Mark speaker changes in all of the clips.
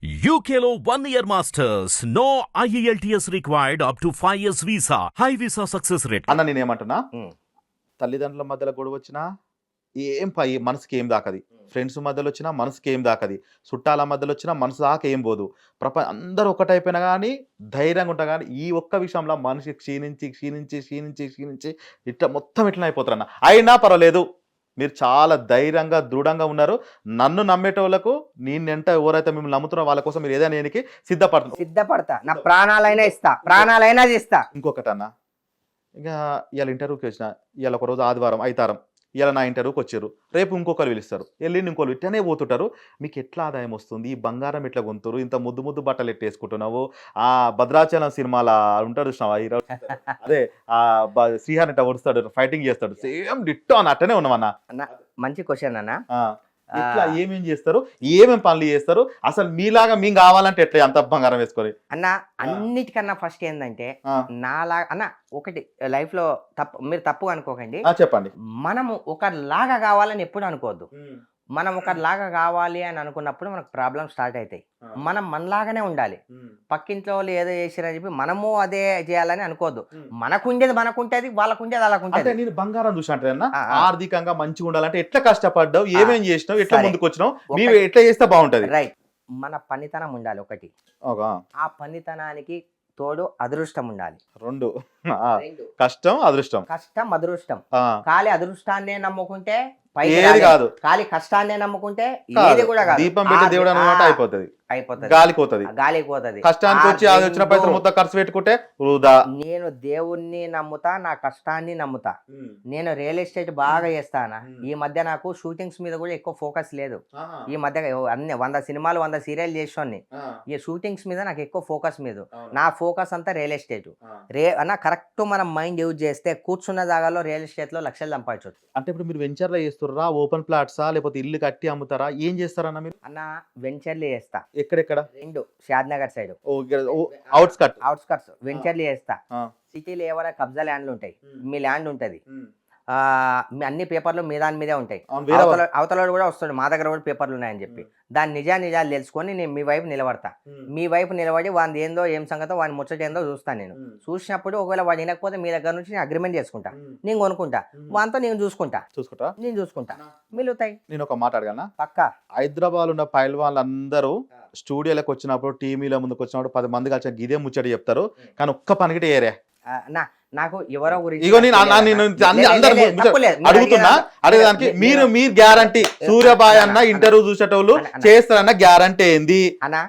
Speaker 1: UKLO 1 year masters. No IELTS required up to 5 years visa. High visa success rate.
Speaker 2: అన్న నేనేమంటున్నా, తల్లిదండ్రుల మధ్యలో గొడవ వచ్చినా మనసుకి ఏం దాకది, ఫ్రెండ్స్ మధ్యలో వచ్చినా మనసుకి ఏం దాకది, చుట్టాల మధ్యలో వచ్చినా మనసు దాకా ఏం పోదు. అందరూ ఒకటైపోయినా కానీ ధైర్యంగా ఉంటా. కానీ ఈ ఒక్క విషయంలో మనిషి క్షీణించి క్షీణించి క్షీణించి క్షీణించి ఇట్లా మొత్తం ఇట్లా అయిపోతారు అన్న. అయినా పర్వాలేదు, మీరు చాలా ధైర్యంగా దృఢంగా ఉన్నారు. నన్ను నమ్మేటోళ్ళకు నేనంట ఎవరైతే మిమ్మల్ని నమ్ముతున్నారో వాళ్ళ కోసం మీరు ఏదైనా నేనికి
Speaker 3: సిద్ధపడతా. నా ప్రాణాలైనా ఇస్తా, ప్రాణాలైనా ఇస్తా.
Speaker 2: ఇంకొకటి అన్న, ఇంకా ఇవాళ ఇంటర్వ్యూకి వచ్చిన, ఇవాళ ఒక రోజు ఆదివారం అయితారం, ఇలా నా ఇంటర్వ్యూకి వచ్చారు, రేపు ఇంకొకరు పిలుస్తారు, వెళ్ళి ఇంకోరు ఇట్టనే పోతుంటారు. మీకు ఎట్లా ఆదాయం వస్తుంది? ఈ బంగారం ఎట్లా కొంటారు? ఇంత ముద్దు ముద్దు బట్టలు ఎట్టేసుకుంటున్నావు? ఆ భద్రాచలం సినిమాలో ఉంటాడు చూసినావా హీరో, అదే ఆ శ్రీహాన్ ఇట్లా వస్తాడు, ఫైటింగ్ చేస్తాడు, సేమ్ డిట్టో అని అట్టనే ఉన్నామన్నా.
Speaker 3: మంచి క్వశ్చన్ అన్న.
Speaker 2: ఇట్లా ఏమేం చేస్తారు, ఏమేం పనులు చేస్తారు? అసలు మీలాగా మేము కావాలంటే ఎట్లా అంత బంగారం వేసుకొని
Speaker 3: అన్న? అన్నిటికన్నా ఫస్ట్ ఏంటంటే నాలాగా అన్న, ఒకటి లైఫ్ లో మీరు తప్పు అనుకోకండి,
Speaker 2: చెప్పండి.
Speaker 3: మనము ఒకలాగా కావాలని ఎప్పుడు అనుకోవద్దు. మనం ఒకలాగా కావాలి అని అనుకున్నప్పుడు మనకు ప్రాబ్లమ్ స్టార్ట్ అవుతాయి. మనం మనలాగానే ఉండాలి. పక్కింట్లో వాళ్ళు ఏదో చేసిరని చెప్పి మనము అదే చేయాలని అనుకోవద్దు. మనకుండేది మనకుంటేది, వాళ్ళకుండేది అలాకుంటే.
Speaker 2: నేను బంగారం చూసి అంటే ఆర్థికంగా మంచిగా ఉండాలంటే ఎట్లా కష్టపడ్డావు, ఏమేం చేసినావు, ఎట్లా ముందుకు వచ్చినావు, మీరు ఎట్లా చేస్తే బాగుంటది?
Speaker 3: రైట్, మన పనితనం ఉండాలి ఒకటి. ఆ పనితనానికి తోడు అదృష్టం ఉండాలి.
Speaker 2: రెండు, కష్టం అదృష్టం.
Speaker 3: కష్టం అదృష్టం. ఖాళీ అదృష్టాన్నే నమ్ముకుంటే
Speaker 2: కాదు,
Speaker 3: ఖాళీ కష్టాన్నే నమ్ముకుంటే ఏది కూడా కాదు.
Speaker 2: దీపం పెట్టి దేవుడు అన్నమాట అయిపోతుంది, గాలిపోతుంది. కష్టానికి వచ్చి అది వచ్చిన పైసలు మొత్తం ఖర్చు పెట్టుకుంటే వృధా.
Speaker 3: నేను దేవుణ్ణి నమ్ముతా, నా కష్టాన్ని నమ్ముతా. నేను రియల్ ఎస్టేట్ బాగా చేస్తానా. ఈ మధ్య నాకు షూటింగ్స్ మీద కూడా ఎక్కువ ఫోకస్ లేదు. ఈ మధ్య అన్ని 100 సినిమాలు 100 సీరియల్ చేసాన్ని. ఈ షూటింగ్స్ మీద నాకు ఎక్కువ ఫోకస్ మీద. నా ఫోకస్ అంతా రియల్ ఎస్టేట్. అన్న కరెక్ట్ మనం మైండ్ యూజ్ చేస్తే కూర్చున్న జాగాలో రియల్ ఎస్టేట్ లో లక్షలు సంపాదించవచ్చు.
Speaker 2: అంటే ఇప్పుడు మీరు వెంచర్ లో చేస్తారా, ఓపెన్ ప్లాట్సా, లేకపోతే ఇల్లు కట్టి అమ్ముతారా, ఏం చేస్తారన్న మీరు?
Speaker 3: అన్న వెంచర్లు చేస్తా.
Speaker 2: ఎక్కడెక్కడ?
Speaker 3: రెండు, షాద్నగర్ సైడ్
Speaker 2: అవుట్స్కట్స్
Speaker 3: వెంచర్లు చేస్తా. సిటీలో ఏమైనా కబ్జా ల్యాండ్లు ఉంటాయి, మీ ల్యాండ్ ఉంటది, అన్ని పేపర్లు మీ దాని మీదే ఉంటాయి. అవతల కూడా వస్తాడు, మా దగ్గర కూడా పేపర్లు ఉన్నాయని చెప్పి దాని నిజాలు తెలుసుకొని నేను మీ వైపు నిలబడతా. మీ వైపు నిలబడి వాడి ఏందో ఏం సంగతో వాడి ముచ్చట ఏందో చూస్తాను. నేను చూసినప్పుడు ఒకవేళ వాడు వినకపోతే మీ దగ్గర నుంచి నేను అగ్రిమెంట్ చేసుకుంటా, నేను కొనుక్కుంటా, వాటితో నేను చూసుకుంటా మిలుతాయి.
Speaker 2: నేను ఒక మాట అడగనా?
Speaker 3: పక్కా.
Speaker 2: హైదరాబాద్ ఉన్న పైల్వాన్లు అందరూ స్టూడియోలకు వచ్చినప్పుడు, టీవీలో ముందుకు వచ్చినప్పుడు 10 మంది కలిసి గిదే ముచ్చట చెప్తారు, కానీ ఒక్క పనికిటే ఏరే
Speaker 3: నాకు ఎవరో గురించి
Speaker 2: అడుగుతున్నా. అడిగేదానికి మీరు గ్యారంటీ, సూర్యబాయ్ అన్న ఇంటర్వ్యూ చూసేటోళ్ళు చేస్తారన్న గ్యారంటీ ఏంది
Speaker 3: అన్నా?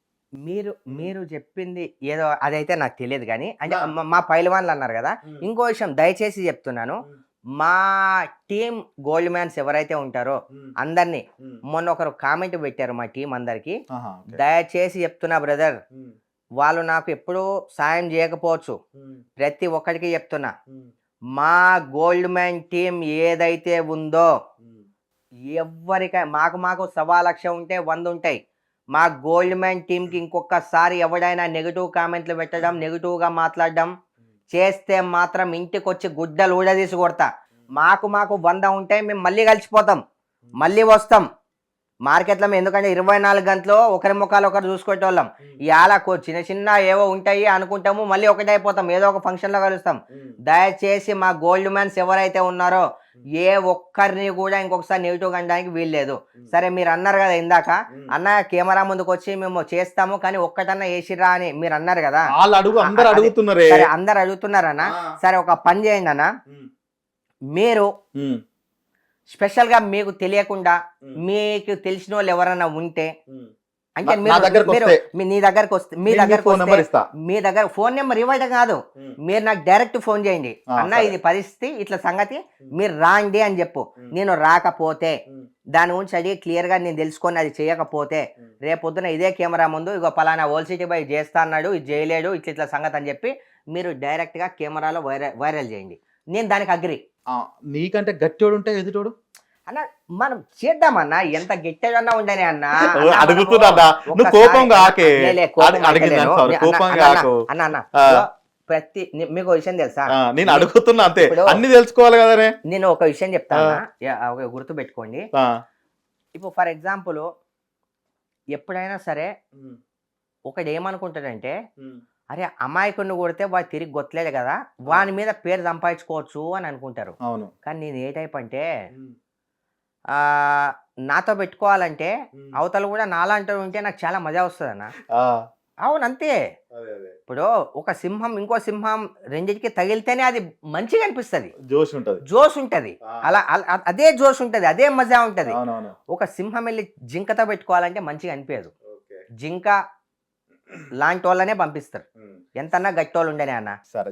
Speaker 3: మీరు చెప్పింది ఏదో అదైతే నాకు తెలియదు కానీ, అంటే మా పైల్వాన్లు అన్నారు కదా. ఇంకో విషయం దయచేసి చెప్తున్నాను, మా టీం గోల్డ్ మ్యాన్స్ ఎవరైతే ఉంటారో అందరినీ, మొన్న ఒకరు కామెంట్ పెట్టారు మా టీం అందరికి, దయచేసి చెప్తున్నా బ్రదర్, వాళ్ళు నాకు ఎప్పుడూ సాయం చేయకపోవచ్చు, ప్రతి ఒక్కరికి చెప్తున్నా, మా గోల్డ్ మ్యాన్ టీం ఏదైతే ఉందో ఎవరికై మాకు 1.25 లక్ష ఉంటే 100 ఉంటాయి. మా గోల్డ్ మ్యాన్ టీంకి ఇంకొకసారి ఎవడైనా నెగిటివ్ కామెంట్లు పెట్టడం, నెగిటివ్గా మాట్లాడడం చేస్తే మాత్రం ఇంటికి వచ్చి గుడ్డలు ఊడదీసి కొడతా. మాకు 100 ఉంటే మేము మళ్ళీ కలిసిపోతాం, మళ్ళీ వస్తాం మార్కెట్లో. ఎందుకంటే 24 గంటలు ఒకరి ముఖాలు ఒకరు చూసుకునేటోళ్ళం. ఇవాళ చిన్న ఏవో ఉంటాయి అనుకుంటాము, మళ్ళీ ఒకటే అయిపోతాం, ఏదో ఒక ఫంక్షన్లో కలుస్తాం. దయచేసి మా గోల్డ్ మ్యాన్స్ ఎవరైతే ఉన్నారో ఏ ఒక్కరిని కూడా ఇంకొకసారి నెగిటివ్ అనడానికి వీల్లేదు. సరే మీరు అన్నారు కదా ఇందాక, అన్న కెమెరా ముందుకు వచ్చి మేము చేస్తాము కానీ ఒక్కటన్నా వేసిరా అని మీరు అన్నారు కదా. అందరు అడుగుతున్నారన్న. సరే ఒక పని చేయండి అన్న, మీరు స్పెషల్ గా మీకు తెలియకుండా మీకు తెలిసిన వాళ్ళు ఎవరైనా ఉంటే, అంటే మీ దగ్గరకు వస్తే మీ దగ్గర ఫోన్ నెంబర్ ఇవ్వడం కాదు, మీరు నాకు డైరెక్ట్ ఫోన్ చేయండి, అన్న ఇది పరిస్థితి ఇట్లా సంగతి మీరు రాండి అని చెప్పు. నేను రాకపోతే దాని గురించి అడిగి క్లియర్ గా నేను తెలుసుకొని అది చేయకపోతే రేపొద్దున ఇదే కెమెరా ముందు ఇగో పలానా ఓల్డ్ సిటీ బై చేస్తా అన్నాడు, ఇది చేయలేడు, ఇట్లా సంగతి అని చెప్పి మీరు డైరెక్ట్ గా కెమెరాలో వైరల్ చేయండి. నేను దానికి అగ్రి.
Speaker 2: నీకంటే గట్టివాడు ఉంటే ఎదుటోడు
Speaker 3: అన్న మనం చేద్దామన్నా, ఎంత గట్టిగా ఉండని అన్న. ప్రతి మీకు విషయం తెలుసా?
Speaker 2: నేను అడుగుతున్నా అంతే, అన్ని తెలుసుకోవాలి కదా.
Speaker 3: నేను ఒక విషయం చెప్తాను, గుర్తు పెట్టుకోండి. ఇప్పుడు ఫర్ ఎగ్జాంపుల్ ఎప్పుడైనా సరే ఒకడు ఏమనుకుంటాడంటే అరే అమాయకుడిని కొడితే వాడు తిరిగి గొత్తలేదు కదా వాని మీద పేరు సంపాదించుకోవచ్చు అని అనుకుంటారు.
Speaker 2: అవును.
Speaker 3: కానీ నేను ఏ టైప్ అంటే ఆ, నాతో పెట్టుకోవాలంటే అవతల కూడా నాలాంటి ఉంటే నాకు చాలా మజా వస్తుంది అన్న.
Speaker 2: ఆ,
Speaker 3: అవును అంతే.
Speaker 2: అదే అదే
Speaker 3: ఇప్పుడు ఒక సింహం ఇంకో సింహం రెండింటికి తగిలితేనే అది మంచిగా అనిపిస్తుంది,
Speaker 2: జోష్ ఉంటది.
Speaker 3: జోష్ ఉంటది. అదే జోష్ ఉంటది, అదే మజా ఉంటది.
Speaker 2: అవునవును.
Speaker 3: ఒక సింహం వెళ్ళి జింకతో పెట్టుకోవాలంటే మంచిగా అనిపించదు.
Speaker 2: ఓకే.
Speaker 3: జింక లాంటి వాళ్ళనే పంపిస్తారు, ఎంతన్నా గట్టి వాళ్ళు ఉండనే అన్న.
Speaker 2: సరే.